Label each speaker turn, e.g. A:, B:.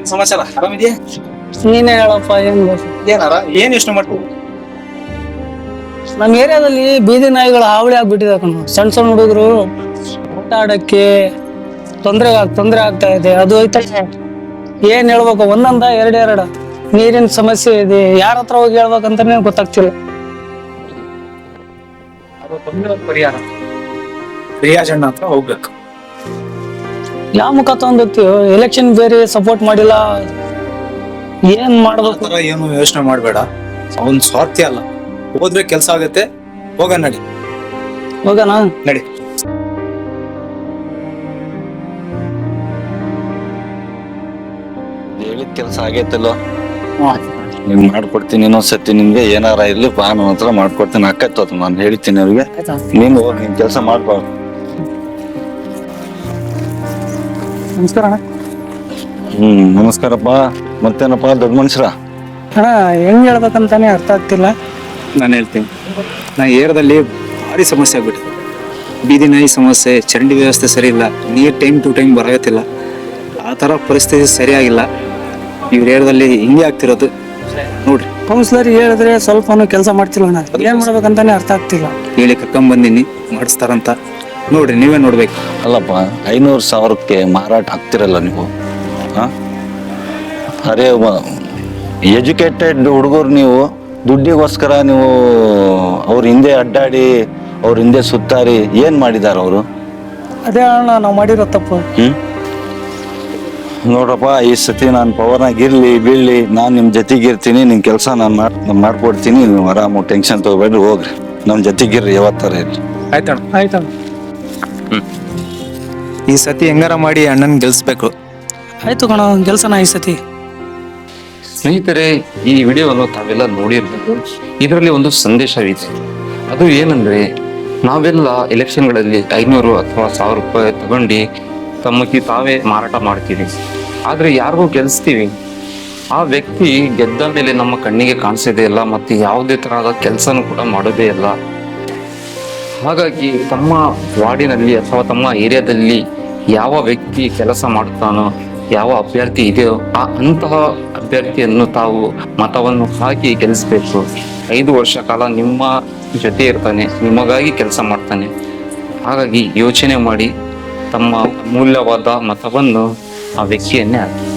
A: ಸಮಾಚಾರ ಆರಾಮಿದ್ಯಾ?
B: ನೀನೇ ಹೇಳಪ್ಪ ಏನ್ ಬೇಕು?
A: ಏನಾರ ಏನ್ ಯೋಚನೆ ಮಾಡ್ತೀವಿ?
B: ನಮ್ಮ ಏರಿಯಾದಲ್ಲಿ ಬೀದಿ ನಾಯಿಗಳು ಹಾವಳಿ ಆಗ್ಬಿಟ್ಟಿದೆ ಕಣೋ. ಸಣ್ಣ ಸಣ್ಣ ಹುಡುಗರು ಆಟ ಆಡಕ್ಕೆ ತೊಂದ್ರೆ ಆಗ್ತಾ ಇದೆ. ಅದು ಐತೆ ಏನ್ ಹೇಳ್ಬೇಕು, ಒಂದೊಂದ ಎರಡೆರಡ ನೀರಿನ ಸಮಸ್ಯೆ ಇದೆ. ಯಾರ ಹತ್ರ ಹೋಗಿ ಹೇಳ್ಬೇಕಂತಾನೆ ಗೊತ್ತಾಗ್ತಿಲ್ಲ.
A: ಪರಿಹಾರ ರಿಯಾಜಣ್ಣ ಹತ್ರ ಹೋಗ್ಬೇಕು.
B: ಯಾವ ಮುಖ ತಗೊಂಡ್ ಹೋಗ್ತೀವಿ? ಎಲೆಕ್ಷನ್ ಬೇರೆ ಸಪೋರ್ಟ್ ಮಾಡಿಲ್ಲ, ಏನ್ ಮಾಡ್ಬೇಕು?
A: ಏನು ಯೋಚನೆ ಮಾಡ್ಬೇಡ, ಅವನ್ ಸ್ವಾರ್ಥಿ ಅಲ್ಲ. ಹೋದ್ರೆ ಕೆಲ್ಸ ಆಗತ್ತೆ, ಹೋಗ ನಡಿ.
B: ಹೋಗೋಣ
A: ನಡಿ.
C: ಹೇಳಿದ ಕೆಲಸ ಆಗೈತಲ್ಲೋ, ನೀನ್ ಮಾಡ್ಕೊಡ್ತೀನಿ. ಇನ್ನೊಂದ್ಸತಿ ನಿಮ್ಗೆ ಏನಾರ ಇರ್ಲಿ ನಾನು ಹತ್ರ ಮಾಡ್ಕೊಡ್ತೀನಿ. ಅಕ್ಕತ್ತು ನಾನು ಹೇಳ್ತೀನಿ ಅವ್ರಿಗೆ. ನೀನು ಹೋಗಿ ನಿನ್ ಕೆಲಸ ಮಾಡ್ಬಾರ್ದು.
B: ನಮಸ್ಕಾರ ಅಣ್ಣ.
C: ನಮಸ್ಕಾರಪ್ಪ. ಮತ್ತೇನಪ್ಪ ದೊಡ್ಡ ಮನುಷ್ಯರ?
B: ಅಣ್ಣ ಹೆಂಗ್ ಹೇಳ್ಬೇಕಂತಾನೆ ಅರ್ಥ ಆಗ್ತಿಲ್ಲ.
A: ನಾನು ಹೇಳ್ತೀನಿ, ನಾ ಏರಿಯಾದಲ್ಲಿ ಭಾರಿ ಸಮಸ್ಯೆ ಆಗ್ಬಿಟ್ಟಿದೆ. ಬೀದಿ ನಾಯಿ ಸಮಸ್ಯೆ, ಚರಂಡಿ ವ್ಯವಸ್ಥೆ ಸರಿ ಇಲ್ಲ, ನೀರ್ ಟೈಮ್ ಟು ಟೈಮ್ ಬರಗತ್ತಿಲ್ಲ. ಆ ತರ ಪರಿಸ್ಥಿತಿ ಸರಿಯಾಗಿಲ್ಲ. ಇವ್ರ ಏರಿಯಾದಲ್ಲಿ ಹಿಂಗೆ ಆಗ್ತಿರೋದು ನೋಡ್ರಿ.
B: ಕೌನ್ಸಿಲರ್ ಹೇಳಿದ್ರೆ ಸ್ವಲ್ಪನೂ ಕೆಲಸ ಮಾಡ್ತಿಲ್ಲ ಅಣ್ಣ. ಏನ್ ಮಾಡ್ಬೇಕಂತಾನೆ ಅರ್ಥ ಆಗ್ತಿಲ್ಲ.
A: ಹೇಳಿ ಕರ್ಕೊಂಡ್ ಬಂದಿನಿ, ಮಾಡಿಸ್ತಾರಂತ ನೋಡ್ರಿ, ನೀವೇ ನೋಡ್ಬೇಕು.
C: ಅಲ್ಲಪ್ಪ, 500,000ಕ್ಕೆ ಮಾರಾಟ ಆಗ್ತಿರಲ್ಲ ನೀವು. ಅರೆ ಎಜುಕೇಟೆಡ್ ಹುಡುಗರು ನೀವು, ದುಡ್ಡಿಗೋಸ್ಕರ ನೀವು ಅವ್ರ ಹಿಂದೆ ಅಡ್ಡಾಡಿ ಅವ್ರ ಹಿಂದೆ ಸುತ್ತಾರಿ ಏನ್ ಮಾಡಿದಾರ ಅವರು?
B: ಅದೇ ಅಣ್ಣ ನಾವು ಮಾಡಿರೋ ತಪ್ಪು.
C: ನೋಡ್ರಪ್ಪ, ಈ ಸತಿ ನಾನು ಪವರ್ನಾಗ ಇರ್ಲಿ ಬೀಳ್ಲಿ, ನಾನು ನಿಮ್ ಜೊತೆಗಿರ್ತೀನಿ. ನಿಮ್ ಕೆಲಸ ನಾನು ಮಾಡ್ಕೊಡ್ತೀನಿ. ನೀವು ಆರಾಮು ಟೆನ್ಷನ್ ತಗೋಬೇಡ್ರಿ, ಹೋಗ್ರಿ. ನಮ್ ಜೊತೆಗಿರ್ರಿ, ಯಾವತ್ತರ ಇರ್ಲಿ.
A: ಆಯ್ತಣ್ಣ.
B: ಆಯ್ತಣ್ಣ.
A: ಈ ಸತಿ ಹೆಂಗಾರ ಮಾಡಿ ಅಣ್ಣನ್ ಗೆಲ್ಸ್ಬೇಕು.
B: ಆಯ್ತು ಕಣ, ಗೆಲ್ಸನ ಈ ಸತಿ.
D: ಸ್ನೇಹಿತರೆ, ಈ ವಿಡಿಯೋವನ್ನು ತಾವೆಲ್ಲ ನೋಡಿರ್ಬೇಕು. ಇದರಲ್ಲಿ ಒಂದು ಸಂದೇಶವಿದೆ. ಅದು ಏನಂದ್ರೆ, ನಾವೆಲ್ಲ ಎಲೆಕ್ಷನ್ಗಳಲ್ಲಿ 500 ಅಥವಾ 1000 ರೂಪಾಯಿ ತಗೊಂಡು ತಮ್ಮಕ್ಕೆ ತಾವೇ ಮಾರಾಟ ಮಾಡ್ತೀವಿ. ಆದ್ರೆ ಯಾರಿಗೂ ಗೆಲ್ಸ್ತೀವಿ, ಆ ವ್ಯಕ್ತಿ ಗೆದ್ದ ಮೇಲೆ ನಮ್ಮ ಕಣ್ಣಿಗೆ ಕಾಣಿಸೋದೇ ಇಲ್ಲ, ಮತ್ತೆ ಯಾವುದೇ ತರಹದ ಕೆಲಸನೂ ಕೂಡ ಮಾಡೋದೇ ಇಲ್ಲ. ಹಾಗಾಗಿ ತಮ್ಮ ವಾರ್ಡಿನಲ್ಲಿ ಅಥವಾ ತಮ್ಮ ಏರಿಯಾದಲ್ಲಿ ಯಾವ ವ್ಯಕ್ತಿ ಕೆಲಸ ಮಾಡುತ್ತಾನೋ, ಯಾವ ಅಭ್ಯರ್ಥಿ ಇದೆಯೋ ಅಂತಹ ಅಭ್ಯರ್ಥಿಯನ್ನು ತಾವು ಮತವನ್ನು ಹಾಕಿ ಗೆಲ್ಲಿಸ್ಬೇಕು. 5 ವರ್ಷ ಕಾಲ ನಿಮ್ಮ ಜೊತೆ ಇರ್ತಾನೆ, ನಿಮಗಾಗಿ ಕೆಲಸ ಮಾಡ್ತಾನೆ. ಹಾಗಾಗಿ ಯೋಚನೆ ಮಾಡಿ ತಮ್ಮ ಅಮೂಲ್ಯವಾದ ಮತವನ್ನು ಆ ವ್ಯಕ್ತಿಯನ್ನೇ ಹಾಕಿ.